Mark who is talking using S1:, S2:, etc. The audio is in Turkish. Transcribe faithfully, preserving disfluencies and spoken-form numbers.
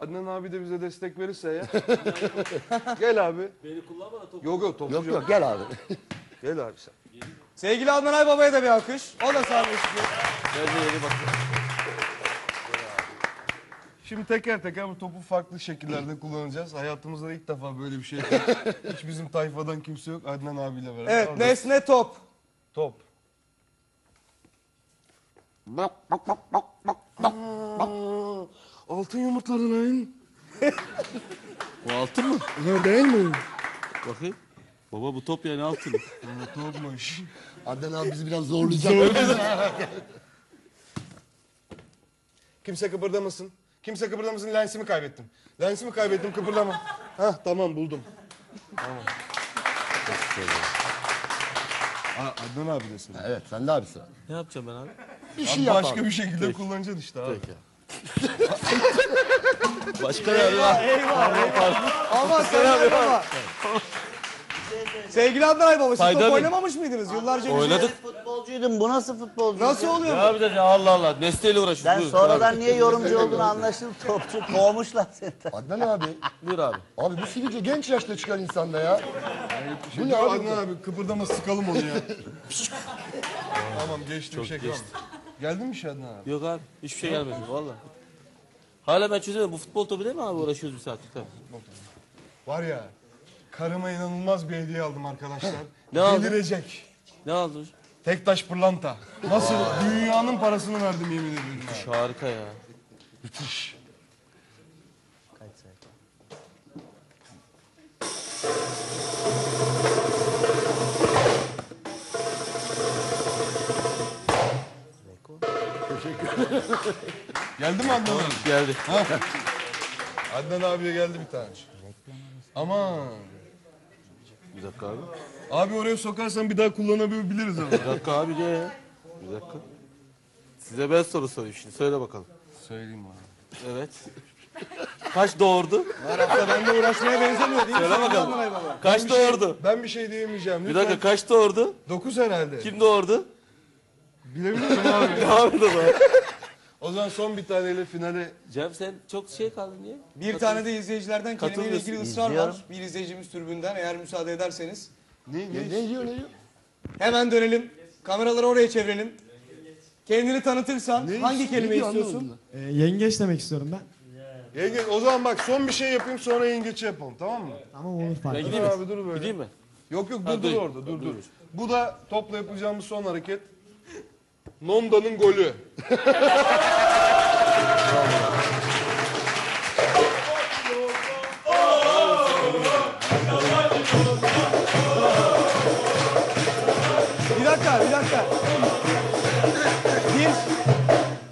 S1: Adnan abi de bize destek verirse ya. Gel abi.
S2: Beni kullanma da topu.
S1: Yok yok topu
S3: Yok yok gel abi.
S1: Gel abi sen.
S4: Sevgili Adnan Aybaba'ya da bir alkış. O da sahneye çıkıyor.
S2: Ben de yeni bakıyorum.
S1: Şimdi teker teker bu topu farklı şekillerde kullanacağız. Hayatımızda ilk defa böyle bir şey. Hiç bizim tayfadan kimse yok. Adnan abiyle beraber.
S4: Evet,
S1: Orada
S4: nesne top.
S1: top. Aa, altın yumurtladı lan.
S2: Bu altın mı?
S1: Ne değil mi?
S2: Bakayım. Baba bu top yani altın.
S1: Aa, topmuş.
S3: Adnan abi bizi biraz zorlayacak.
S1: Kimse kıpırdamasın. Kimse kıpırdamasın. Lensimi kaybettim. Lensimi kaybettim, kıpırdama. Hah tamam buldum. Tamam. Aa, Adnan abi desin.
S3: Evet sen de abi sıra.
S2: Ne yapacağım ben abi?
S3: Bir şey
S1: Abi
S3: yap
S1: başka
S3: abi.
S1: bir şekilde kullanacaksın işte abi.
S3: Peki.
S2: Başka ne abi?
S4: Aman sen Aybaba. Sevgili Adnan Aybaba, siz
S2: Fayda
S4: top
S2: mı?
S4: oynamamış mıydınız? Yıllarca bir
S2: Oynadık.
S5: Futbolcuydum. Bu nasıl futbolcu?
S4: Nasıl oluyor
S2: Ne
S4: bu?
S2: yapacağız ya Allah Allah. Nesneyle uğraşıyoruz.
S5: Sen
S2: Buyur,
S5: sonradan
S2: abi.
S5: niye yorumcu olduğunu anlaşıldı. Topçu kovmuşlar seni.
S3: Adnan abi.
S2: Buyur abi.
S3: Abi bu sivilce genç yaşta çıkan insanda ya.
S1: Bu ne abi? Adnan abi kıpırdama sıkalım onu ya. Tamam geçti bir şey kalmadı. Geldin mi Şadnan abi?
S2: Yok abi. Hiçbir şey gelmedi valla. Hala ben çözemedim. Bu futbol topu değil mi abi? Uğraşıyoruz bir saattir tabii.
S1: Var ya karıma inanılmaz bir hediye aldım arkadaşlar.
S2: Ne aldın?
S1: Delirecek.
S2: Ne aldın?
S1: Tektaş pırlanta. Nasıl? Dünyanın parasını verdim yemin ediyorum. ya.
S2: Harika ya.
S1: Müthiş. Geldi mi Adnan abi?
S2: Geldi.
S1: Adnan abiye geldi bir tane. Aman.
S2: Bir dakika abi.
S1: Abi oraya sokarsan bir daha kullanabiliriz ama.
S2: Bir dakika abi diye ya. Bir dakika. Size ben soru sorayım şimdi. Söyle bakalım.
S1: Söyleyeyim abi.
S2: Evet. Kaç doğurdu?
S4: Her hafta benimle uğraşmaya benzemiyor değil mi?
S2: Söyle
S4: Adnan
S2: bakalım.
S4: Aybaba?
S2: Kaç doğurdu?
S1: Ben bir şey diyemeyeceğim.
S2: Bir
S1: Lütfen.
S2: dakika kaç doğurdu?
S1: Dokuz herhalde.
S2: Kim doğurdu?
S1: Bilebilir miyim abi?
S2: Devam et o zaman.
S1: O zaman son bir taneyle finale.
S2: Cem sen çok şey kaldın niye?
S4: Bir tane de izleyicilerden kelimeyle ilgili ısrar var.
S5: İzliyorum.
S4: Bir izleyicimiz tribünden, eğer müsaade ederseniz.
S1: Ne,
S3: Ne, ne diyor ne diyor?
S4: Hemen dönelim. Kameraları oraya çevirelim. Kendini tanıtırsan hangi kelime
S3: diyor,
S4: istiyorsun?
S3: anlamadım
S6: Ee, yengeç demek istiyorum ben.
S1: Yenge, o zaman bak son bir şey yapayım sonra yengeçi yapalım tamam mı?
S6: Tamam olur fark
S2: Ben
S6: etmez.
S2: gideyim mi?
S1: Abi dur böyle.
S2: Gideyim mi?
S1: Yok yok dur
S2: Ha,
S1: dur
S2: dur.
S1: orada dur
S2: Dur,
S1: dur.
S2: dur.
S1: Bu da topla yapacağımız son hareket. Nonda'nın golü.
S4: Bir dakika, bir dakika. Bir,